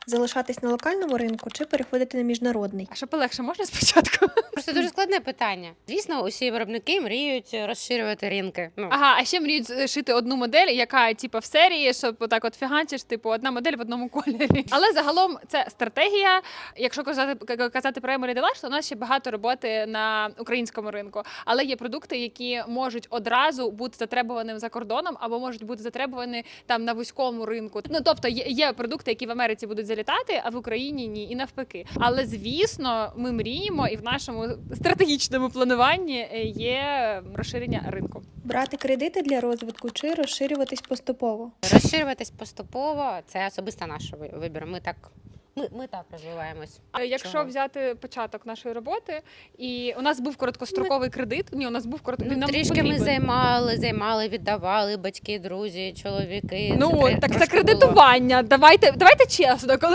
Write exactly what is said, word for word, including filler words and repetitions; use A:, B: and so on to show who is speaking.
A: залишатись на локальному ринку чи переходити на міжнародний?
B: А що полегше можна спочатку?
C: Просто дуже складне питання. Звісно, усі виробники мріють розширювати ринки. Ну,
B: Ага, а ще мріють з- шити одну модель, яка типу, в серії, щоб отак от фігачиш, типу, одна модель в одному кольорі. Але загалом це стратегія. Якщо казати, к- казати про Emery Delash, то у нас ще багато роботи на українському ринку. Але є продукти, які можуть одразу бути затребуваним за кордоном, або можуть бути затребувані там на вузькому ринку. Ну тобто є, є продукти, які в Америці будуть залітати, а в Україні ні, і навпаки. Але звісно, ми мріємо, і в нашому стратегічному плануванні є розширення ринку.
A: Брати кредити для розвитку чи розширюватись поступово?
C: розширюватись поступово це особисто наш ви- вибір. Ми так, ми, ми так розвиваємось.
B: Е, Якщо
C: Чого?
B: взяти початок нашої роботи, і у нас був короткостроковий кредит. Ні, у нас був короткий.
C: Ну, трішки ми займали, займали, віддавали батьки, друзі, чоловіки.
B: Ну
C: Це тре-
B: так це
C: трошки було.
B: кредитування. Давайте, давайте чесно, коли